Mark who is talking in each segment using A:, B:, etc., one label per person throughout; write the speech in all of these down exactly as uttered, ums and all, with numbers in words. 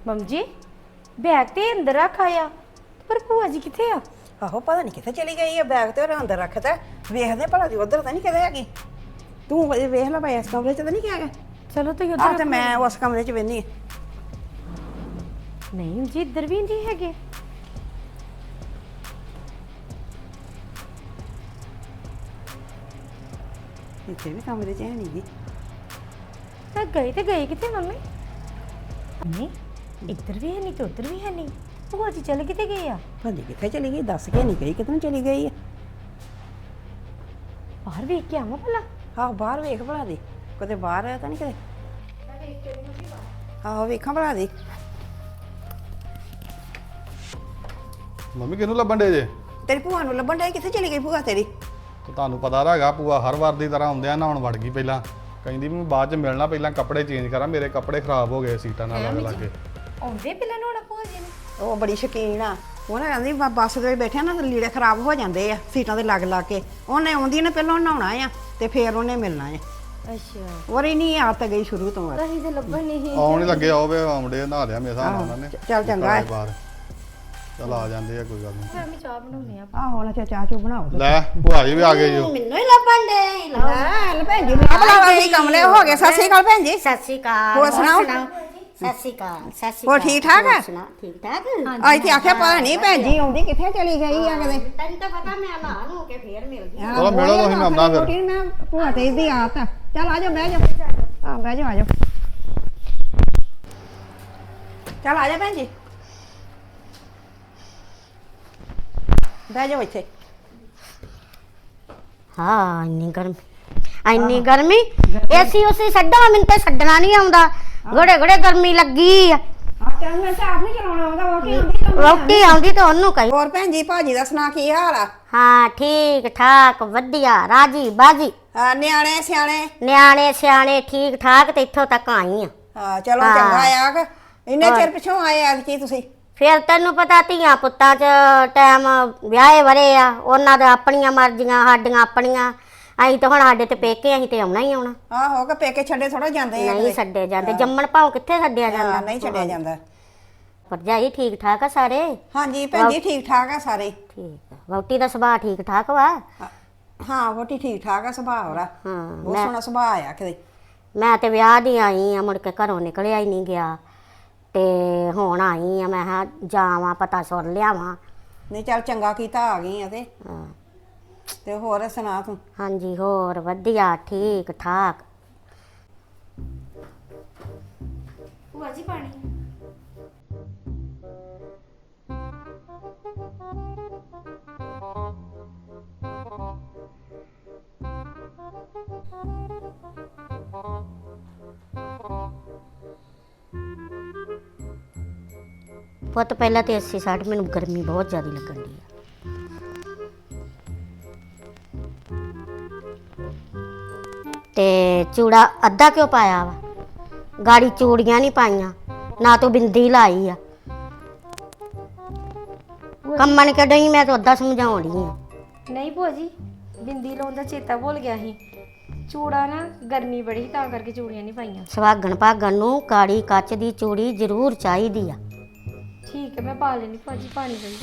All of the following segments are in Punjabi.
A: ਮੰਮ ਜੀ ਬੈਗ ਤੇ ਅੰਦਰ ਰੱਖ ਆਇਆ ਪਰ ਭੂਆ ਜੀ ਕਿੱਥੇ ਆ?
B: ਆਹੋ ਪਤਾ ਨਹੀਂ ਕਿੱਥੇ ਚਲੀ ਗਈ ਹੈ। ਬੈਗ ਤੇ ਉਹਨੇ ਅੰਦਰ ਰੱਖਤਾ। ਵੇਖਦੇ ਭਲਾ ਦੀ ਉਧਰ ਤਾਂ ਨਹੀਂ ਕਿਤੇ ਹੈਗੀ। ਤੂੰ ਵੇਖ ਲੈ ਭਾਈ ਇਸ ਕਮਰੇ 'ਚ ਤਾਂ ਨਹੀਂ ਹੈਗਾ।
A: ਚਲੋ ਤੁਸੀਂ
B: ਆਹ
A: ਉਧਰ
B: ਤੇ ਮੈਂ ਉਸ ਕਮਰੇ 'ਚ ਵੇਖਨੀ
A: ਨਹੀਂ ਜੀ ਇੱਧਰ ਵੀ ਨਹੀਂ ਹੈਗੇ।
B: ਇੱਥੇ ਵੀ ਕਮਰੇ 'ਚ ਹੈ ਨਹੀਂ ਗੀ।
A: ਤਾਂ ਗਏ ਤੇ ਗਏ ਕਿੱਥੇ ਮੰਮੀ? ਨਹੀਂ ਇੱਧਰ ਵੀ ਹੈ ਨਹੀਂ ਤੇ ਉੱਧਰ ਵੀ ਹੈ ਨਹੀਂ। ਭੂਆ ਜੀ ਚੱਲ ਕਿਤੇ ਗਏ ਆ?
B: ਭਾਜੀ ਕਿੱਥੇ ਚਲੀ ਗਈ? ਦੱਸ ਕੇ ਨਹੀਂ ਗਈ ਕਿੱਥੇ ਚਲੀ ਗਈ ਹੈ।
A: ਬਾਹਰ ਵੇਖ ਕੇ ਆਵਾਂ ਭਲਾ।
B: ਆਹੋ ਬਾਹਰ ਵੇਖ ਭਲਾ ਦੀ ਕਿਤੇ ਬਾਹਰ ਹੈ ਤਾਂ ਨਹੀਂ ਕਿਤੇ। ਆਹੋ ਵੇਖਾਂ ਭਲਾ ਦੀ।
C: ਮੰਮੀ ਕਿਹਨੂੰ ਲੱਭਣ ਡੇ ਜੇ?
B: ਤੇਰੀ ਭੂਆ ਨੂੰ ਲੱਭਣ ਡਈ। ਕਿੱਥੇ ਚਲੀ ਗਈ ਭੂਆ ਤੇਰੀ?
C: ਤੇ ਤੁਹਾਨੂੰ ਪਤਾ ਤਾਂ ਹੈਗਾ ਭੂਆ ਹਰ ਵਾਰ ਦੀ ਤਰ੍ਹਾਂ ਆਉਂਦਿਆਂ ਨਹਾਉਣ ਵੜ ਗਈ। ਪਹਿਲਾਂ ਕਹਿੰਦੀ ਵੀ ਮੈਂ ਬਾਅਦ ਚ ਮਿਲਣਾ, ਪਹਿਲਾਂ ਕੱਪੜੇ ਚੇਂਜ ਕਰਾਂ, ਮੇਰੇ ਕੱਪੜੇ ਖਰਾਬ ਹੋ ਗਏ ਸੀਟਾਂ ਨਾਲ ਲੱਗ ਲੱਗ ਕੇ।
A: ਆਉਂਦੇ ਪਹਿਲਾਂ ਨੋਣਾ ਭੂਆ ਜੀ ਨੇ।
B: ਉਹ ਬੜੀ ਸ਼ੌਕੀਨ ਆ। ਉਹਨੇ ਕਹਿੰਦੀ ਬ- ਬੱਸ ਦੇ ਵਿੱਚ ਬੈਠਿਆ ਨਾ ਤੇ ਲੀੜੇ ਖਰਾਬ ਹੋ ਜਾਂਦੇ ਆ ਸੀਟਾਂ ਤੇ ਲੱਗ ਲੱਗ ਕੇ। ਉਹਨੇ ਆਉਂਦੀ ਨੇ ਪਹਿਲਾਂ ਨਹਾਉਣਾ ਆ ਤੇ ਫੇਰ ਉਹਨੇ ਮਿਲਣਾ ਆ।
A: ਅੱਛਾ
B: ਉਹਰੀ ਨਹੀਂ ਆਦਤ ਗਈ ਸ਼ੁਰੂ ਤੋਂ।
A: ਅਸੀਂ ਤੇ ਲੱਭਣ ਨਹੀਂ।
C: ਆਉਣ ਹੀ ਲੱਗੇ ਆਓ ਵੇ ਆਉਂਦੇ ਨਹਾ ਲਿਆ ਮੇਰੇ ਹਿਸਾਬ ਨਾਲ ਉਹਨਾਂ ਨੇ।
B: ਚੱਲ ਚੰਗਾ ਹੈ।
C: ਬਾਹਰ ਚੱਲ ਆ ਜਾਂਦੇ ਆ, ਕੋਈ ਗੱਲ ਨਹੀਂ।
A: ਫਿਰ ਮੈਂ ਚਾਹ ਬਣਾਉਣੀ ਆ।
B: ਆਹੋ ਨਾ ਚਾਹ ਚੂ ਬਣਾਓ।
C: ਲੈ ਭੂਆ ਜੀ ਵੀ ਆ ਗਏ ਜੋ।
D: ਮੈਨੂੰ ਹੀ ਲੱਭਣ ਦੇ
B: ਲੈ ਭੈਣ ਜੀ ਨਾ ਬੁਲਾਵਾ ਨਹੀਂ ਕਮਲੇ ਹੋ ਗਏ। ਸਤਿ ਸ਼੍ਰੀ ਅਕਾਲ ਭੈਣ ਜੀ।
D: ਸਤਿ ਸ਼੍ਰੀ ਅਕਾਲ।
B: ਹੋਰ ਸੁਣਾਓ?
D: ਸਤਿ ਸ਼੍ਰੀ ਅਕਾਲ। ਸਤਿ ਸ਼੍ਰੀ
B: ਹੋਰ
D: ਅਕਾਲ।
B: ਠੀਕ ਠਾਕ ਆ?
D: ਸੁਣਾ ਠੀਕ ਠਾਕ।
B: ਅੱਜ ਤੇ ਆਖਿਆ ਪਤਾ ਨਹੀਂ ਭੈਣ ਜੀ ਆਉਂਦੀ ਕਿੱਥੇ ਚਲੀ ਗਈ ਆ ਕਦੇ।
D: ਤੈਨੂੰ ਤਾਂ ਪਤਾ ਮੈਂ ਨਹਾ ਨੂੰ ਕੇ ਫੇਰ ਮਿਲ ਗਈ।
C: ਚਲੋ ਮਿਲੋ ਤੁਸੀਂ, ਮੈਂ ਆਉਂਦਾ ਫਿਰ।
B: ਰੋਟੀ ਮੈਂ ਭੂਆ ਤੇ ਦੀ ਆਦਤ ਆ। ਚੱਲ ਆ ਜਾ ਬਹਿ ਜਾ। ਆ ਬਹਿ ਜਾ ਆ ਜਾ। ਚੱਲ ਆ ਜਾ ਭੈਣ ਜੀ ਬਹਿ ਜਾ ਇੱਥੇ।
D: ਹਾਂ ਇੰਨੀ ਗਰਮੀ ਇੰਨੀ ਗਰਮੀ ਏਸੀ ਉਸੇ ਛੱਡੋ ਮੈਨੂੰ ਤੇ ਛੱਡਣਾ ਨਹੀਂ ਆਉਂਦਾ। ਘੜੇ ਘੜੇ ਗਰਮੀ ਲੱਗੀ ਆ।
B: ਆ ਚੱਲ ਮੈਂ ਤਾਂ ਆਪ ਨਹੀਂ ਚਲਾਉਣਾ ਆਉਂਦਾ। ਰੋਟੀ ਆਉਂਦੀ ਤਾਂ
D: ਰੋਟੀ ਆਉਂਦੀ ਤਾਂ ਉਹਨੂੰ ਕਹੀ।
B: ਹੋਰ ਭੈਣ ਜੀ ਭਾਜੀ ਦਾ ਸੁਣਾ ਕੀ ਹਾਲ ਆ?
D: ਹਾਂ ਠੀਕ ਠਾਕ ਵਧੀਆ ਰਾਜੀ ਬਾਜੀ।
B: ਹਾਂ ਨਿਆਣੇ ਸਿਆਣੇ?
D: ਨਿਆਣੇ ਸਿਆਣੇ ਠੀਕ ਠਾਕ ਤੇ ਇੱਥੋਂ ਤੱਕ ਆਈ ਆ।
B: ਹਾਂ ਚਲੋ
D: ਹਾਂ।
B: ਚੰਗਾ ਆ ਕਿ ਇੰਨੇ ਚਿਰ ਪਿੱਛੋਂ ਆਏ ਅੱਜ ਕੀ ਤੁਸੀਂ?
D: ਫਿਰ ਤੈਨੂੰ ਪਤਾ ਧੀਆਂ ਪੁੱਤਾਂ 'ਚ ਟਾਈਮ ਵਿਆਹੇ ਵਰੇ ਆ, ਉਹਨਾਂ ਦੇ ਆਪਣੀਆਂ ਮਰਜ਼ੀਆਂ ਸਾਡੀਆਂ ਆਪਣੀਆਂ। ਅਸੀਂ ਤਾਂ ਹੁਣ ਸਾਡੇ ਤੇ ਪੇਕੇ ਅਸੀਂ ਤੇ ਆਉਣਾ ਹੀ ਆਉਣਾ।
B: ਆਹੋ ਕਿ ਪੇਕੇ ਛੱਡੇ ਥੋੜਾ ਜਾਂਦੇ ਆ
D: ਨਹੀਂ ਛੱਡੇ ਜਾਂਦੇ। ਜੰਮਣ ਭਾਉ ਕਿੱਥੇ ਛੱਡਿਆ ਜਾਂਦਾ।
B: ਹਾਂ ਨਹੀਂ ਛੱਡਿਆ ਜਾਂਦਾ।
D: ਭਰਜਾਈ ਠੀਕ ਠਾਕ ਆ ਸਾਰੇ?
B: ਹਾਂਜੀ ਭੈਣ ਜੀ ਠੀਕ ਠਾਕ ਆ ਸਾਰੇ।
D: ਠੀਕ ਆ। ਵਹੁਟੀ ਦਾ ਸੁਭਾਅ ਠੀਕ ਠਾਕ ਵਾ?
B: ਹਾਂ ਵੋਟੀ ਠੀਕ ਠਾਕ ਆ। ਸੁਭਾਅ ਉਹਦਾ
D: ਹਾਂ
B: ਬਹੁਤ ਸੋਹਣਾ ਸੁਭਾਅ ਆ ਕਿਤੇ।
D: ਮੈਂ ਤੇ ਵਿਆਹ ਦੀ ਆਈ ਆ, ਮੁੜ ਕੇ ਘਰੋਂ ਨਿਕਲਿਆ ਹੀ ਨਹੀਂ ਗਿਆ ਤੇ ਹੁਣ ਆਈ ਆ। ਮੈਂ ਕਿਹਾ ਜਾਵਾਂ ਪਤਾ ਸੁਣ ਲਿਆਵਾਂ।
B: ਨਹੀਂ ਚੱਲ ਚੰਗਾ ਕੀਤਾ ਆ ਗਈ ਆ ਤੇ।
D: ਹਾਂ।
B: ਤੇ ਹੋਰ ਸੁਣਾ ਤੂੰ?
D: ਹਾਂਜੀ ਹੋਰ ਵਧੀਆ ਠੀਕ ਠਾਕ।
A: ਭੂਆ ਜੀ ਪਾਣੀ।
D: ਪੁੱਤ ਪਹਿਲਾਂ ਤੇ ਅੱਸੀ ਸਾਠ ਮੈਨੂੰ ਗਰਮੀ ਬਹੁਤ ਜ਼ਿਆਦਾ ਲੱਗਣ ਦੀ ਆ। ਤੇ ਚੂੜਾ ਅੱਧਾ ਕਿਉਂ ਪਾਇਆ ਵਾ? ਗਾੜੀ ਚੂੜੀਆਂ ਨਹੀਂ ਪਾਈਆਂ ਨਾ ਤੂੰ ਬਿੰਦੀ ਲਾਈ ਆ। ਕੰਮਣ ਕੱਢੀ ਮੈਂ ਤਾਂ ਅੱਧਾ ਸਮਝਾਉਣੀ ਆ।
A: ਨਹੀਂ ਭੂਆ ਜੀ ਬਿੰਦੀ ਲਾਉਣ ਦਾ ਚੇਤਾ ਭੁੱਲ ਗਿਆ ਸੀ। ਚੂੜਾ ਨਾ ਗਰਮੀ ਬੜੀ ਸੀ ਤਾਂ ਕਰਕੇ ਚੂੜੀਆਂ ਨਹੀਂ ਪਾਈਆਂ।
D: ਸੁਹਾਗਣ ਭਾਗਣ ਨੂੰ ਕਾੜੀ ਕੱਚ ਦੀ ਚੂੜੀ ਜ਼ਰੂਰ ਚਾਹੀਦੀ ਆ।
A: ਠੀਕ ਹੈ ਮੈਂ ਪਾ ਲੈਣੀ ਭੂਆ ਜੀ ਪਾਣੀ ਦੇ।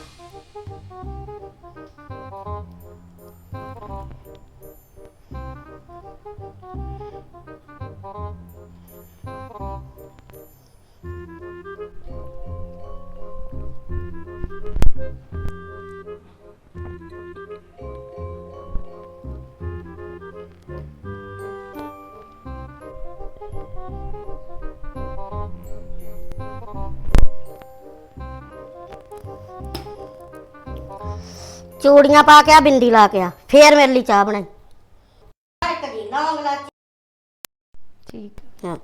D: ਚੂੜੀਆਂ ਪਾ ਕੇ ਆ ਬਿੰਦੀ ਲਾ ਕੇ ਆ ਫੇਰ ਮੇਰੇ ਲਈ ਚਾਹ ਬਣਾਈ।
A: ਠੀਕ
D: ਹਾਂ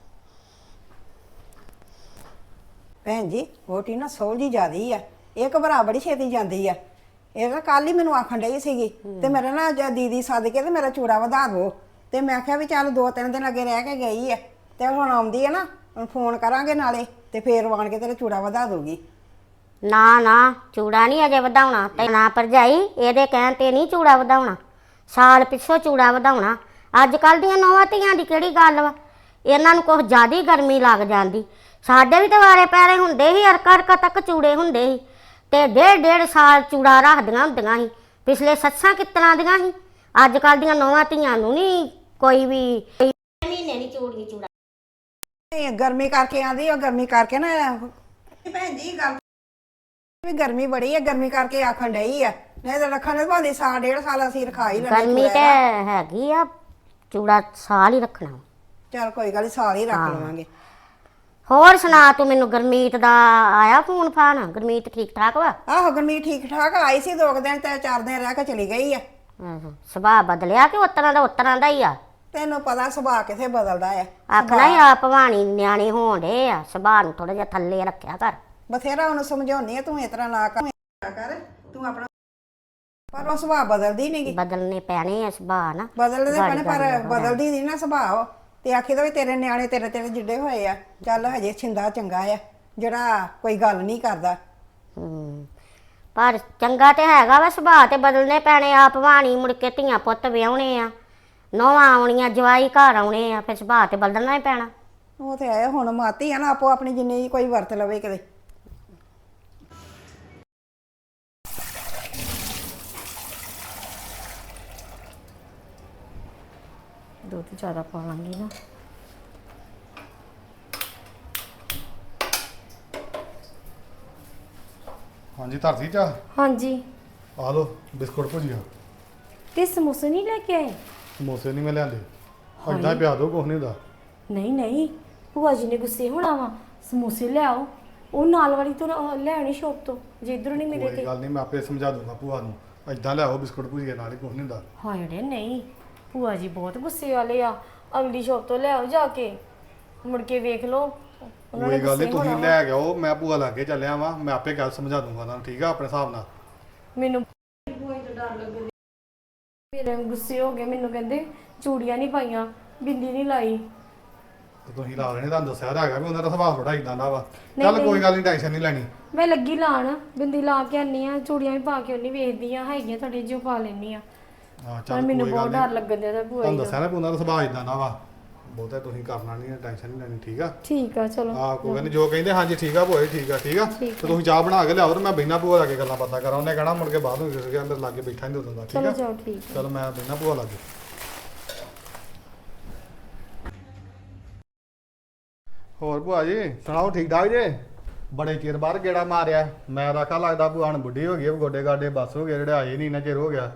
B: ਭੈਣ ਜੀ ਵੋਟੀ ਨਾ ਸੋਹਲੀ ਜਿਆਦੀ ਆ। ਇਹ ਘਬਰਾ ਬੜੀ ਛੇਤੀ ਜਾਂਦੀ ਆ। ਇਹ ਨਾ ਕੱਲ ਹੀ ਮੈਨੂੰ ਆਖਣ ਡਈ ਸੀਗੀ ਤੇ ਮੇਰਾ ਨਾ ਅੱਜ ਦੀਦੀ ਸੱਦ ਕੇ ਤੇ ਮੇਰਾ ਚੂੜਾ ਵਧਾ ਦੋ। ਤੇ ਮੈਂ ਕਿਹਾ ਵੀ ਚੱਲ ਦੋ ਤਿੰਨ ਦਿਨ ਅੱਗੇ ਰਹਿ ਕੇ ਗਈ ਆ ਤੇ ਹੁਣ ਆਉਂਦੀ ਆ ਨਾ ਹੁਣ ਫੋਨ ਕਰਾਂਗੇ ਨਾਲੇ ਤੇ ਫੇਰ ਆਣ ਕੇ ਤੇਰਾ ਚੂੜਾ ਵਧਾ ਦੂਗੀ।
D: ਨਾ ਨਾ ਚੂੜਾ ਨਹੀਂ ਅਜੇ ਵਧਾਉਣਾ ਤੇ ਨਾ ਭਰਜਾਈ ਇਹਦੇ ਕਹਿਣ ਤੇ ਨਹੀਂ ਚੂੜਾ ਵਧਾਉਣਾ। ਸਾਲ ਪਿੱਛੋਂ ਚੂੜਾ ਵਧਾਉਣਾ। ਅੱਜ ਕੱਲ ਦੀਆਂ ਨੌਵਾਂ ਧੀਆਂ ਦੀ ਕਿਹੜੀ ਗੱਲ ਵਾ? ਇਹਨਾਂ ਨੂੰ ਕੁਛ ਜ਼ਿਆਦਾ ਗਰਮੀ ਲੱਗ ਜਾਂਦੀ। ਸਾਡੇ ਵੀ ਤੇ ਵਾਰੇ ਪੈਰੇ ਹੁੰਦੇ ਸੀ, ਅਰਕਾ ਅਰਕਾ ਤੱਕ ਚੂੜੇ ਹੁੰਦੇ ਸੀ ਤੇ ਡੇਢ ਡੇਢ ਸਾਲ ਚੂੜਾ ਰੱਖਦੀਆਂ ਹੁੰਦੀਆਂ ਸੀ। ਪਿਛਲੇ ਸੱਸਾਂ ਕਿਸ ਤਰ੍ਹਾਂ ਦੀਆਂ ਸੀ, ਅੱਜ ਕੱਲ ਦੀਆਂ ਨੌਵਾਂ ਧੀਆਂ ਨੂੰ ਨਹੀਂ ਕੋਈ ਵੀ ਮਹੀਨੇ ਨਹੀਂ ਚੂੜੀ ਚੂੜਾ।
B: ਇਹ ਗਰਮੀ ਕਰਕੇ ਆਂਦੀ ਉਹ ਗਰਮੀ ਕਰਕੇ ਨਾ ਭੈਣ ਜੀ ਗੱਲ ਵੀ ਗਰਮੀ ਬੜੀ ਹੈ, ਗਰਮੀ ਕਰਕੇ ਆਖਣ ਡਈ ਆ, ਨਹੀਂ ਤਾਂ ਰੱਖਣ ਨੂੰ ਭਾਂਦੀ ਸਾਲ ਡੇਢ ਸਾਲ ਅਸੀਂ ਰਖਾ ਹੀ ਲੈਣਾ
D: ਗਰਮੀ ਤੇ ਹੈਗੀ ਆ, ਚੂੜਾ ਸਾਲ ਹੀ ਰੱਖਣਾ।
B: ਚਲ ਕੋਈ ਗੱਲ ਨੀ, ਸਾਲ ਹੀ ਰੱਖ ਲਵਾਂਗੇ।
D: ਹੋਰ ਸੁਣਾ ਤੂੰ ਮੈਨੂੰ, ਗੁਰਮੀਤ ਦਾ ਆਇਆ ਫੋਨ ਫਾਨ? ਗੁਰਮੀਤ ਠੀਕ ਠਾਕ ਵਾ?
B: ਆਹੋ ਗਰਮੀ ਠੀਕ ਠਾਕ ਆਈ ਸੀ, ਦੋ ਕੁ ਦਿਨ ਤੇ ਚਾਰ ਦਿਨ ਰਹਿ ਕੇ ਚਲੀ ਗਈ ਆ।
D: ਆਹੋ, ਸੁਭਾਅ ਬਦਲਿਆ ਕਿ ਉਤਰਾਂ ਦਾ ਉਤਰਾਂ ਦਾ ਹੀ ਆ?
B: ਤੈਨੂੰ ਪਤਾ ਸੁਭਾਅ ਕਿਥੇ ਬਦਲਦਾ ਆ।
D: ਆਖਣਾ ਹੀ ਆ ਭਵਾਨੀ ਨਿਆਣੇ ਹੋਣ ਡੇ ਆ, ਸੁਭਾਅ ਨੂੰ ਥੋੜਾ ਜਿਹਾ ਥੱਲੇ ਰੱਖਿਆ ਕਰ।
B: ਬਥੇਰਾ ਉਹਨੂੰ ਸਮਝਾਉਣੀ ਆ, ਤੂੰ ਇਸ ਤਰ੍ਹਾਂ ਨਾ ਕਰ ਕਰ ਤੂੰ ਆਪਣਾ, ਪਰ ਉਹ ਸੁਭਾਅ ਬਦਲਦੀ ਨਹੀਂਗੀ।
D: ਬਦਲਨੇ ਪੈਣੇ ਆ ਸੁਭਾਅ ਨਾ,
B: ਬਦਲਦੇ ਪੈਣੇ ਪਰ ਬਦਲਦੀ ਨਹੀਂ ਨਾ ਸੁਭਾਅ ਉਹ। ਤੇ ਆਖੀ ਦਾ ਵੀ ਤੇਰੇ ਨਿਆਣੇ ਤੇਰੇ ਤੇਰੇ ਜਿੱਡੇ ਹੋਏ ਆ, ਚੱਲ ਹਜੇ ਛਿੰਦਾ ਚੰਗਾ ਆ ਜਿਹੜਾ ਕੋਈ ਗੱਲ ਨਹੀਂ ਕਰਦਾ।
D: ਹੂੰ, ਪਰ ਚੰਗਾ ਤੇ ਹੈਗਾ ਵਾ ਸੁਭਾਅ, ਤੇ ਬਦਲਨੇ ਪੈਣੇ ਆ। ਭਵਾਨੀ ਮੁੜ ਕੇ ਧੀਆਂ ਪੁੱਤ ਵਿਆਹੁਣੇ ਆ, ਨੌਵਾਂ ਆਉਣੀਆਂ, ਜਵਾਈ ਘਰ ਆਉਣੇ ਆ, ਫਿਰ ਸੁਭਾਅ ਤੇ ਬਦਲਣਾ ਹੀ ਪੈਣਾ।
B: ਉਹ ਤੇ ਆਇਆ ਹੁਣ ਮਾਤੀ ਆ ਨਾ, ਆਪੋ ਆਪਣੀ ਜਿੰਨੀ ਕੋਈ ਵਰਤ ਲਵੇ ਕਿਤੇ।
A: ਦੁੱਧ ਜ਼ਿਆਦਾ ਪਾਵਾਂਗੀ ਨਾ।
C: ਹਾਂਜੀ ਧਰਤੀ ਚਾਹ
A: ਹਾਂਜੀ,
C: ਆ ਲੋ ਬਿਸਕੁਟ ਭੁਜੀਆ।
A: ਤੇ ਸਮੋਸੇ ਨਹੀਂ ਲੈ ਕੇ ਆਏ?
C: ਸਮੋਸੇ ਨਹੀਂ ਮੈਂ ਲਿਆਂਦੇ, ਏਦਾਂ ਹੀ ਪਿਆ ਦੋ, ਕੁਛ ਨਹੀਂ ਹੁੰਦਾ।
A: ਨਹੀਂ ਨਹੀਂ, ਭੂਆ ਜੀ ਨੇ ਗੁੱਸੇ ਹੋਣਾ ਵਾ, ਸਮੋਸੇ ਲਿਆਓ। ਉਹ ਨਾਲ ਵਾਲੀ ਤੋਂ ਨਾ- ਲੈ ਆਉਣੀ ਸ਼ੌਪ ਤੋਂ, ਜੇ ਇੱਧਰੋਂ ਨਹੀਂ ਮਿਲੇ
C: ਕੋਈ
A: ਤੇ।
C: ਗੱਲ ਨਹੀਂ, ਮੈਂ ਆਪੇ ਸਮਝਾ ਦੂੰਗਾ ਭੂਆ ਨੂੰ, ਏਦਾਂ ਲਿਆਓ ਬਿਸਕੁਟ ਭੁਜੀਆ, ਨਾਲ ਹੀ ਕੁਛ ਨਹੀਂ ਹੁੰਦਾ।
A: ਹਾਏ ਰੇ ਨਹੀਂ, ਭੂਆ ਜੀ ਬਹੁਤ ਗੁੱਸੇ ਵਾਲੇ ਆ। ਅਗਲੀ ਸ਼ੌਪ ਤੋਂ ਲਿਆਓ ਜਾ ਕੇ, ਮੁੜ ਕੇ ਵੇਖ ਲਓ ਉਹਨਾਂ ਨੇ
C: ਕੋਈ ਗੱਲ ਨਹੀਂ,
A: ਗੁੱਸੇ
C: ਤੁਸੀਂ
A: ਹੋਣਾ
C: ਲੈ ਕੇ ਆਓ, ਮੈਂ ਭੂਆ ਲਾਗੇ ਚੱਲਿਆ ਵਾਂ, ਮੈਂ ਆਪੇ ਗੱਲ ਸਮਝਾ ਦੂੰਗਾ ਤੁਹਾਨੂੰ, ਠੀਕ ਆ, ਆਪਣੇ ਹਿਸਾਬ ਨਾਲ।
A: ਮੈਨੂੰ ਭੂਆ ਜੀ ਤੋਂ ਡਰ ਲੱਗਦਾ, ਮੇਰੇ ਗੁੱਸੇ ਹੋ ਗਏ, ਮੈਨੂੰ ਕਹਿੰਦੇ ਚੂੜੀਆਂ ਨਹੀਂ ਪਾਈਆਂ, ਬਿੰਦੀ ਨਹੀਂ ਲਾਈ।
C: ਤੇ ਤੁਸੀਂ ਲਾ ਲੈਣੇ, ਤੁਹਾਨੂੰ ਦੱਸਿਆ ਤਾਂ ਹੈਗਾ ਵੀ ਉਹਨਾਂ ਦਾ ਸੁਭਾਅ ਥੋੜਾ ਇਦਾਂ ਦਾ ਵਾ। ਚੱਲ ਕੋਈ ਗੱਲ ਨਹੀਂ, ਟੈਨਸ਼ਨ ਨਹੀਂ ਲੈਣੀ।
A: ਮੈਂ ਲੱਗੀ ਲਾਣ, ਬਿੰਦੀ ਲਾ ਕੇ ਆਨੀ ਆ, ਚੂੜੀਆਂ ਵੀ ਪਾ ਕੇ ਉਹਨੀ ਵੇਖਦੀ ਆ, ਹੈਗੀਆਂ ਤੁਹਾਡੇ ਜਿਉ ਪਾ ਲੈਣੀ ਆ।
C: ਹਾਂ
A: ਪਰ
C: ਚੱਲ
A: ਮੈਨੂੰ
C: ਕੋਈ
A: ਬਹੁਤ
C: ਗੱਲ
A: ਡਰ
C: ਨਹੀਂ,
A: ਲੱਗਣ ਦਿਆ ਭੂਆ ਜੀ
C: ਤੁਹਾਨੂੰ
A: ਦਾ।
C: ਦੱਸਿਆ ਨਾ ਵੀ ਉਹਨਾਂ ਦਾ ਸੁਭਾਅ ਇਦਾਂ ਦਾ ਵਾ, ਬਹੁਤਾ ਤੁਸੀਂ ਕਰਨਾ ਨਹੀਂ, ਟੈਨਸ਼ਨ ਨਹੀਂ ਲੈਣੀ, ਠੀਕ ਆ।
A: ਠੀਕ ਆ, ਚਲੋ।
C: ਹਾਂ ਕੋਈ ਗੱਲ ਨਹੀਂ, ਜੋ ਕਹਿੰਦੇ ਹਾਂਜੀ ਠੀਕ ਆ ਭੂਆ ਜੀ, ਠੀਕ ਆ ਠੀਕ ਆ।
A: ਠੀਕ
C: ਤੇ ਤੁਸੀਂ ਚਾਹ ਬਣਾ ਕੇ ਲਿਆਓ ਤੇ ਮੈਂ ਬਹਿਣਾ ਭੂਆ ਲਾ ਕੇ ਗੱਲਾਂ ਬਾਤਾਂ ਕਰਾਂ, ਉਹਨੇ ਕਹਿਣਾ ਮੁੜ ਕੇ ਬਾਅਦ ਨੂੰ ਕਿਸੇ ਅੰਦਰ ਲਾਗੇ ਬੈਠਾ ਨਹੀਂ ਹੁੰਦਾ, ਠੀਕ
A: ਚਲੋ
C: ਆ।
A: ਜਾਓ, ਠੀਕ ਆ।
C: ਚਲ ਮੈਂ ਬਹਿਣਾ ਭੂਆ ਲਾਗੇ। ਹੋਰ ਭੂਆ ਜੀ ਸੁਣਾਓ, ਠੀਕ ਠਾਕ ਜੇ? ਬੜੇ ਚਿਰ ਬਾਅਦ ਗੇੜਾ ਮਾਰਿਆ, ਮੈਂ ਰੱਖਾ ਲੱਗਦਾ ਭੂਆ ਨੂੰ ਬੁੱਢੀ ਹੋ ਗਈ, ਗੋਡੇ ਗਾਡੇ ਬਸ ਹੋ ਗਏ, ਜਿਹੜੇ ਆਏ ਨਹੀਂ ਇੰਨਾ ਚਿਰ ਹੋ ਗਿਆ।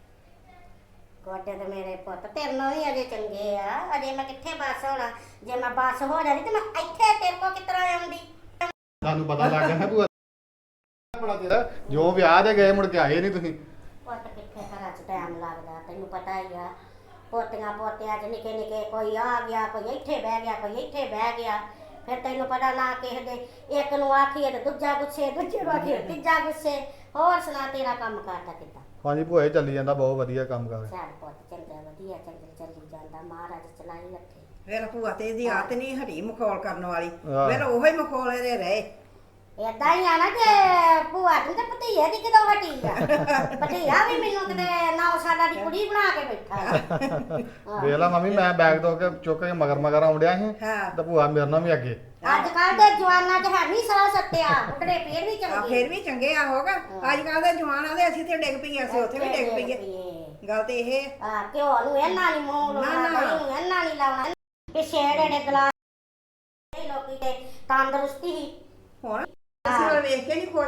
D: ਗੋਡੇ ਤੇ ਮੇਰੇ ਪੁੱਤ ਤੇਰੇ ਨਾਲ ਵੀ ਅਜੇ ਚੰਗੇ ਆ, ਅਜੇ ਮੈਂ ਕਿੱਥੇ ਬੱਸ ਹੋਣਾ। ਜੇ ਮੈਂ ਬੱਸ ਹੋ ਜਾਂਦੀ ਤੇ ਮੈਂ ਇੱਥੇ ਤੇਰੇ ਕੋਲ ਕਿਸ ਤਰ੍ਹਾਂ ਆਉਂਦੀ?
C: ਤੁਹਾਨੂੰ ਪਤਾ ਲੱਗ ਗਿਆ ਨਾ ਭੂਆ ਬੜਾ ਤੇਰਾ, ਜੋ ਵਿਆਹ ਦੇ ਗਏ ਮੁੜ ਕੇ ਆਏ ਨਹੀਂ ਤੁਸੀਂ।
D: ਪੁੱਤ ਕਿੱਥੇ ਘਰਾਂ 'ਚ ਟਾਈਮ ਲੱਗਦਾ, ਤੈਨੂੰ ਪਤਾ ਹੀ ਆ। ਪੋਤੀਆਂ ਪੋਤਿਆਂ 'ਚ ਨਿੱਕੇ ਨਿੱਕੇ ਕੋਈ ਆ ਗਿਆ, ਕੋਈ ਇੱਥੇ ਬਹਿ ਗਿਆ, ਕੋਈ ਇੱਥੇ ਬਹਿ ਗਿਆ। ਫਿਰ ਤੈਨੂੰ ਪਤਾ ਨਾ ਕਿਸੇ ਦੇ ਇੱਕ ਨੂੰ ਆਖੀਏ ਤੇ ਦੂਜਾ ਗੁੱਸੇ, ਦੂਜੇ ਨੂੰ ਆਖੀਏ ਤੀਜਾ ਗੁੱਸੇ। ਹੋਰ ਸੁਣਾ ਤੇਰਾ ਕੰਮ ਕਰਦਾ ਕਿੱਦਾਂ?
C: ਹਾਂਜੀ ਭੂਆ ਜੀ ਚੱਲੀ ਜਾਂਦਾ, ਬਹੁਤ ਵਧੀਆ ਕੰਮ ਕਰ।
D: ਚੱਲ ਪੁੱਤ ਚੰਗਾ, ਵਧੀਆ ਚੰਗੇ ਚੱਲੀ ਜਾਂਦਾ, ਮਹਾਰਾਜ ਚਲਾਈ ਰੱਖੇ।
B: ਫਿਰ ਭੂਆ ਤੇ ਇਹਦੀ ਆਦਤ ਨਹੀਂ ਹਟੀ ਮਖੌਲ ਕਰਨ ਵਾਲੀ,
C: ਆਹ।
B: ਫਿਰ ਉਹੋ ਹੀ ਮਖੌਲ ਇਹਦੇ ਰਹੇ।
D: ਏਦਾਂ ਹੀ ਆ ਨਾ ਕਿ ਭੂਆ ਦੀ ਤੇ ਭਤੀਏ ਦੀ ਕਿਦੋਂ ਹਟੀ ਆ। ਭਤੀਆ ਵੀ ਮੈਨੂੰ ਕਿਤੇ ਨੌ ਸਾਲਾਂ ਦੀ ਕੁੜੀ ਬਣਾ ਕੇ ਬੈਠਾ।
C: ਵੇਖ ਲਾ ਮੰਮੀ, ਮੈਂ ਬੈਗ ਤੋਂ ਕੇ ਚੁੱਕ ਕੇ ਮਗਰ ਮਗਰ ਆਉਂਦਿਆ ਸੀ
B: ਹਾਂ।
C: ਤੇ ਭੂਆ ਮੇਰੇ ਨਾਲ ਵੀ ਅੱਗੇ।
D: ਅੱਜ ਕੱਲ ਦੇ ਜਵਾਨਾਂ 'ਚ ਹੈ ਨਹੀਂ ਸਾਹ ਸੱਤਿਆ, ਉਟੜੇ ਫੇਰ ਵੀ
B: ਆ
D: ਚੰਗੇ।
B: ਫਿਰ ਵੀ ਚੰਗੇ ਆ ਹੋਗਾ। ਅੱਜ ਕੱਲ ਦੇ ਜਵਾਨਾਂ ਦੇ ਅਸੀਂ ਤੇ ਡਿੱਗ ਪਈਏ, ਅਸੀਂ ਉੱਥੇ ਵੀ ਡਿੱਗ ਪਈਏ। ਗੱਲ ਤੇ ਇਹ
D: ਆ ਘਿਓ ਨੂੰ ਇਹਨਾਂ ਨਹੀਂ ਮੂੰਹ
B: ਨਾ,
D: ਲਾਉਣਾ,
B: ਨਾ।
D: ਦਹੀਂ ਨੂੰ ਇਹਨਾਂ ਨਹੀਂ ਲਾਉਣਾ। ਪਿੱਛੇ ਜਿਹੜੇ ਨੇ ਗਲਾਸ ਲੋਕੀ ਤੇ ਤੰਦਰੁਸਤੀ ਹੀ
B: ਹੁਣ ਅਸੀਂ ਉਹ ਵੇਖ ਕੇ ਨਹੀਂ ਖੁਸ਼।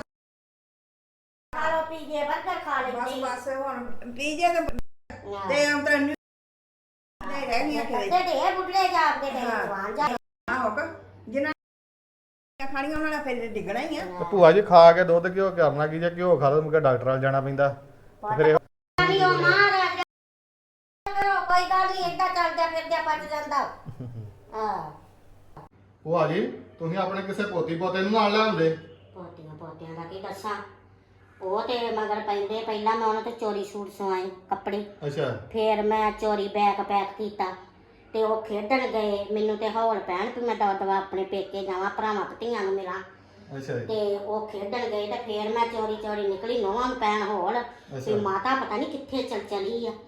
D: ਖਾ ਲੋ ਪੀਜੇ 버ਗਰ ਖਾ
B: ਬਸ
D: ਲੈਂਦੀ।
B: ਬਸ ਹੁਣ ਪੀਜੇ ਤੇ ਤੇ ਅੰਤਰ ਨਹੀਂ ਰਹਿ ਗਈਆਂ ਕਿਤੇ।
D: ਤੇ ਢੇਰ ਬੁੱਢੇ ਜਾਪਦੇ ਤੇ
B: ਹਾਂ।
D: ਜਵਾਨ ਜਾ।
B: ਆ ਹੋਗਾ ਜਿਨ੍ਹਾਂ ਖਾਣੀਆਂ ਉਹਨਾਂ ਨੇ ਫਿਰ ਡਿੱਗਣਾ ਹੀ ਆ।
C: ਤੇ ਭੂਆ ਜੀ ਖਾ ਕੇ ਦੁੱਧ ਘਿਓ ਕਰਨਾ ਕੀ, ਜੇ ਘਿਓ ਖਾ ਲਓ ਮੁੜ ਕੇ ਡਾਕਟਰ ਨਾਲ ਜਾਣਾ ਪੈਂਦਾ। ਤੇ ਫਿਰ ਇਹ
D: ਨਹੀਂ ਉਹ ਮਹਾਰਾਜ ਕਰੋ, ਕੋਈ ਗੱਲ ਨਹੀਂ, ਏਦਾਂ ਚੱਲਦਾ ਫਿਰਦਾ ਪੱਜ ਜਾਂਦਾ। ਹਾਂ
C: ਭੂਆ ਜੀ ਤੁਸੀਂ ਆਪਣੇ ਕਿਸੇ ਪੋਤੀ ਪੋਤੇ ਨੂੰ ਨਾਲ ਲਿਆਉਂਦੇ।
D: ਪੋਤੀਆਂ ਪੋਤਿਆਂ ਦਾ ਕੀ ਦੱਸਾਂ, ਉਹ ਤੇ ਮਗਰ ਪੈਂਦੇ। ਪਹਿਲਾਂ ਮੈਂ ਉਹਨਾਂ ਤੋਂ ਚੋਰੀ ਸੂਟ ਸਵਾਏ ਕੱਪੜੇ,
C: ਅੱਛਾ
D: ਫਿਰ ਮੈਂ ਚੋਰੀ ਬੈਗ ਪੈਕ ਕੀਤਾ ਤੇ ਉਹ ਖੇਡਣ ਗਏ। ਮੈਨੂੰ ਤੇ ਹੌਲ ਪੈਣ ਵੀ ਮੈਂ ਦਵਾ ਦਵਾ ਆਪਣੇ ਪੇਕੇ ਜਾਵਾਂ, ਭਰਾਵਾਂ ਭਤੀਆਂ ਨੂੰ ਮਿਲਾਂ।
C: ਅੱਛਾ ਜੀ।
D: ਤੇ ਉਹ ਖੇਡਣ ਗਏ ਤੇ ਫਿਰ ਮੈਂ ਚੋਰੀ ਚੋਰੀ ਨਿਕਲੀ, ਨੋਹਾਂ ਨੂੰ ਪੈਣ ਹੌਲ ਵੀ ਮਾਤਾ ਪਤਾ ਨਹੀਂ ਕਿੱਥੇ ਚਲ ਚਲੀ ਆ।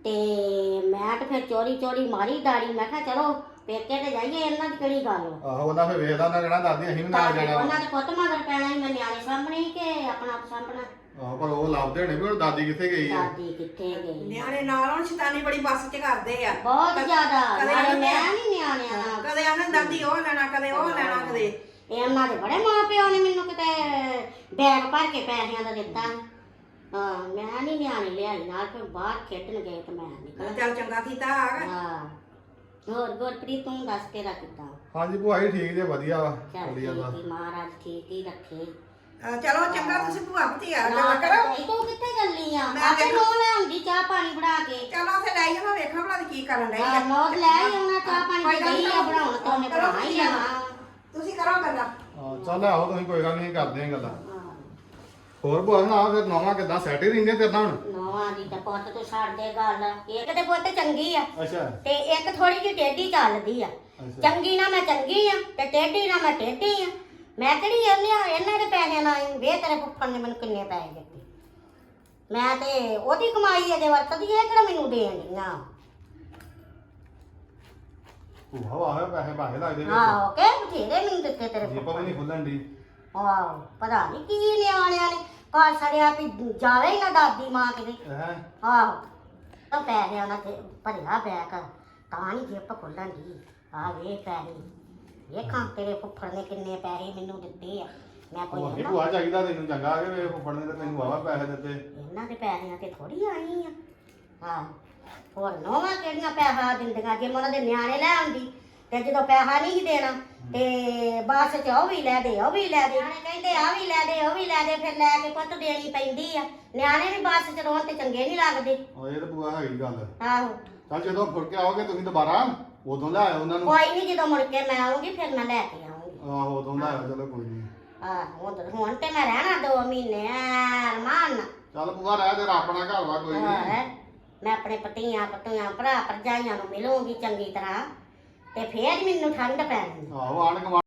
D: ਤੇ ਮੈਂ ਤੇ ਫਿਰ ਚੋਰੀ ਚੋਰੀ ਮਾਰੀ ਦਾੜੀ ਮੈਂ ਕਿਹਾ ਚਲੋ ਪੇਕੇ ਤੇ ਜਾਈਏ ਇਹਨਾਂ ਦੀ ਕਿਹੜੀ ਗੱਲ ਵਾ।
C: ਆਹੋ ਉਹਨਾਂ ਫੇ ਵੇਖਦਾ ਉਹਨਾਂ ਕਹਿਣਾ ਦਾਦੀ ਅਸੀਂ ਵੀ ਨਾਲ ਜਾਣਾ ਵਾ।
D: ਉਹਨਾਂ ਦੇ ਪੁੱਤ ਮਗਰ ਪੈਣਾ ਸੀ ਮੈਂ ਨਿਆਣੇ ਸਾਹਮਣੇ ਹੀ ਕਿ ਆਪਣਾ ਆਪ ਸਾਹਮਣਾ।
C: ਆਹੋ ਪਰ ਉਹ ਲੱਭਦੇ ਨੇ ਵੀ ਹੁਣ ਦਾਦੀ ਕਿੱਥੇ ਗਈ ਆ।
D: ਦਾਦੀ ਕਿੱਥੇ ਗਈ
B: ਨਿਆਣੇ ਨਾਲ ਹੁਣ ਸ਼ੈਤਾਨੀ ਬੜੀ ਬੱਸ 'ਚ ਕਰਦੇ ਆ
D: ਬਹੁਤ ਜ਼ਿਆਦਾ
B: ਕਦੇ
D: ਨਾਲੇ
B: ਆਂਦੇ
D: ਮੈਂ
B: ਆ।
D: ਨਹੀਂ ਨਿਆਣਿਆਂ ਨਾਲ
B: ਕਦੇ ਆਂਦੇ ਦਾਦੀ ਉਹ ਲੈਣਾ ਕਦੇ ਉਹ ਲੈਣਾ ਕਦੇ
D: ਇਹਨਾਂ ਦੇ ਬੜੇ ਮਾਂ ਪਿਓ ਨੇ ਮੈਨੂੰ ਕਿਤੇ ਬੈਗ ਭਰ ਕੇ ਪੈਸਿਆਂ ਦਾ ਦਿੱਤਾ ਹਾਂ ਮੈਂ ਨਹੀਂ ਨਿਆਣੇ ਲਿਆਈ ਨਾਲ ਫਿਰ ਬਾਹਰ ਖੇਡਣ ਗਏ ਤੇ ਮੈਂ ਨਿਕਲ
B: ਚੱਲ ਚੰਗਾ ਕੀਤਾ ਆ ਗਿਆ
D: ਹਾਂ ਹੋਰ ਗੁਰਪ੍ਰੀਤ ਤੂੰ ਦੱਸ ਤੇਰਾ ਕਿੱਦਾਂ
C: ਹਾਂਜੀ ਭੂਆ ਜੀ ਠੀਕ ਜੇ ਵਧੀਆ ਵਾ
D: ਚੱਲ
C: ਵਧੀਆ
D: ਠੀਕ
C: ਦਾ
D: ਹੀ ਮਹਾਰਾਜ ਠੀਕ ਹੀ ਰੱਖੇ
B: ਅਹ ਚਲੋ ਚੰਗਾ ਤੁਸੀਂ ਭੂਆ ਭਤੀ ਆ
D: ਨਾ
B: ਗੱਲ ਕਰੋ
D: ਕਰੋ ਤੂੰ ਕਿੱਥੇ ਚੱਲੀ ਆ
B: ਮੈਂ
D: ਆਪੇ
B: ਦੇਖੋ-
D: ਨੋ ਲੈ ਆਉਂਦੀ ਚਾਹ ਪਾਣੀ ਬਣਾ ਕੇ
B: ਚਲੋ ਉੱਥੇ ਲੈ ਜਾਵਾਂ ਵੇਖਾਂ ਭਲਾ ਕੀ ਕਰਨ ਡਈ
D: ਹਾਂ
B: ਆ
D: ਨੋਦ ਲੈ ਆਈ ਉਹਨਾਂ ਚਾਹ ਪਾਣੀ
B: ਕੋਈ
D: ਦੀ
B: ਗੱਲ
D: ਗਈ ਆ
B: ਨਹੀਂ,
D: ਬਣਾਉਣ ਤਾਂ ਉਹਨੇ
B: ਕਰੋ
D: ਬਣਾ ਹੀ
B: ਤੁਸੀਂ
D: ਲੈਣਾ
B: ਤੁਸੀਂ ਕਰੋ ਗੱਲਾਂ
C: ਹਾਂ ਚੱਲ ਆਹੋ ਤੁਸੀਂ ਕੋਈ ਗੱਲ ਨਹੀਂ ਕਰਦੇ ਆਂ ਗੱਲਾਂ
D: ਹਾਂ
C: ਹੋਰ ਭੂਆ ਨਾ ਫਿਰ ਨੌਵਾਂ ਕਿੱਦਾਂ ਸੈਟ ਹੀ ਰਹਿੰਦੇ ਤੇਰੇ ਨਾਲ ਹੁਣ
D: ਨੋਆਂ ਦੀ ਤਾਂ ਪੁੱਤ ਤੂੰ ਛੱਡ ਦੇ ਗੱਲ ਇੱਕ ਤੇ ਪੁੱਤ ਚੰਗੀ ਆ
C: ਅੱਛਾ
D: ਤੇ ਇੱਕ ਥੋੜੀ ਜਿਹੀ ਟੇਢੀ ਚੱਲਦੀ ਆ
C: ਅੱਛਾ
D: ਚੰਗੀ ਨਾ ਮੈਂ ਚੰਗੀ ਆ ਤੇ ਟੇਢੀ ਨਾ ਮੈਂ ਟੇਢੀ ਆ ਮੈਂ ਕਿਹੜੀ ਇਹਨੇ ਇਹਨਾਂ ਦੇ ਪੈਸੇ ਨਾਲ ਵੇ ਤੇਰੇ ਫੁੱਫੜ ਨੇ ਮੈਨੂੰ ਕਿੰਨੇ ਪੈਸੇ ਦਿੱਤੇ ਮੈਂ ਤੇ ਉਹਦੀ ਕਮਾਈ ਅਜੇ ਵਰਤਦੀ ਐ ਕਿਹੜਾ ਮੈਨੂੰ ਦੇਣ ਦੀਆਂ
C: ਭੂਆ ਵਾਹ ਪੈਸੇ ਬਾਹੇ ਲੱਗਦੇ ਵਿੱਚ
D: ਆਹੋ ਕਿ ਬਥੇਰੇ ਮੈਨੂੰ ਦਿੱਤੇ ਤੇਰੇ
C: ਜੇਬਾਂ ਵੀ ਨਹੀਂ ਖੁੱਲਣ ਦੀ
D: ਆਹੋ ਪਤਾ ਨਹੀਂ ਕੀ ਨਿਆਣਿਆਂ ਨੇ ਪਾ ਛੜਿਆ ਵੀ ਜਾਵੇ ਹੀ ਨਾ ਦਾਦੀ ਮਾਂ ਕਿਤੇ
C: ਹੈ
D: ਆਹੋ ਤਾਂ ਪੈਸਿਆਂ ਨਾਲ ਤੇ ਭਰਿਆ ਬੈਗ ਤਾਂ ਨਹੀਂ ਜੇਬ ਖੁੱਲਣ ਦੀ ਆ ਵੇ ਪੈਸੇ ਵੇਖਾਂ ਤੇਰੇ ਫੁੱਫੜ ਨੇ ਕਿੰਨੇ ਪੈਸੇ ਮੈਨੂੰ ਦਿੱਤੇ ਆ ਮੈਂ ਕੋਈ
C: ਭੂਆ
D: ਇਹਨਾਂ
C: ਭੂਆ ਚਾਹੀਦਾ ਤੈਨੂੰ ਚੰਗਾ ਕਿ ਵੇ ਫੁੱਫੜ ਨੇ ਤਾਂ ਤੈਨੂੰ ਵਾਵਾ ਪੈਸੇ ਦਿੱਤੇ
D: ਇਹਨਾਂ ਦੇ ਪੈਸਿਆਂ ਤੇ ਥੋੜੀ ਆਈ ਆ ਹਾਂ ਹੋਰ ਨੋਵਾਂ ਕਿਹੜੀਆਂ ਪੈਸਾ ਦਿੰਦੀਆਂ ਜੇ ਮੈਂ ਉਹਨਾਂ ਦੇ ਨਿਆਣੇ ਲੈ ਆਉਂਦੀ ਤੇ ਜਦੋਂ ਪੈਸਾ ਨਹੀਂ ਸੀ ਦੇਣਾ ਤੇ ਬੱਸ ਚ ਉਹ ਵੀ ਲੈ ਦੇ ਉਹ ਵੀ ਲੈ ਦੇ ਨਿਆਣੇ ਕਹਿੰਦੇ ਆ ਵੀ ਲੈ ਦੇ ਉਹ ਵੀ ਲੈ ਦੇ ਫਿਰ ਲੈ ਕੇ ਪੁੱਤ ਦੇਣੀ ਪੈਂਦੀ ਆ ਨਿਆਣੇ ਵੀ ਬੱਸ ਚ ਰੋਣ ਤੇ ਚੰਗੇ ਨਹੀਂ ਲੱਗਦੇ
C: ਉਹ ਇਹ ਤਾਂ ਭੂਆ ਹੈਗੀ ਗੱਲ
D: ਆਹੋ
C: ਚੱਲ ਜਦੋਂ ਫੁੜ ਕੇ ਆਓਗੇ ਤੁਸੀਂ ਦੁਬਾਰਾ ਉਦੋਂ ਲੈ ਆਇਓ ਉਹਨਾਂ ਨੂੰ
D: ਕੋਈ ਨਹੀਂ ਜਦੋਂ ਮੁੜ ਕੇ ਮੈਂ ਆਉਂਗੀ ਫਿਰ ਮੈਂ ਲੈ ਕੇ ਆਉਂਗੀ
C: ਆਹੋ ਉਦੋਂ ਲੈ ਆਇਓ ਚਲੋ ਕੋਈ ਨਹੀਂ
D: ਆਹ ਹੁਣ ਤਾਂ- ਹੁਣ ਤੇ ਮੈਂ ਰਹਿਣਾ ਦੋ ਮਹੀਨੇ ਅਰਮਾਨ
C: ਚੱਲ ਭੂਆ ਰਹਿ ਤੇਰਾ ਆਪਣਾ ਘਰ ਵਾ ਕੋਈ ਨਹੀਂ
D: ਹੋਰ ਮੈਂ ਆਪਣੇ ਪਤੀਆਂ ਪਤੀਆਂ ਭਰਾ ਭਰਜਾਈਆਂ ਨੂੰ ਮਿਲੂੰਗੀ ਚੰਗੀ ਤਰ੍ਹਾਂ ਤੇ ਫੇਰ ਮੈਨੂੰ ਠੰਡ ਪੈਣੀ
C: ਆਹੋ ਆਣ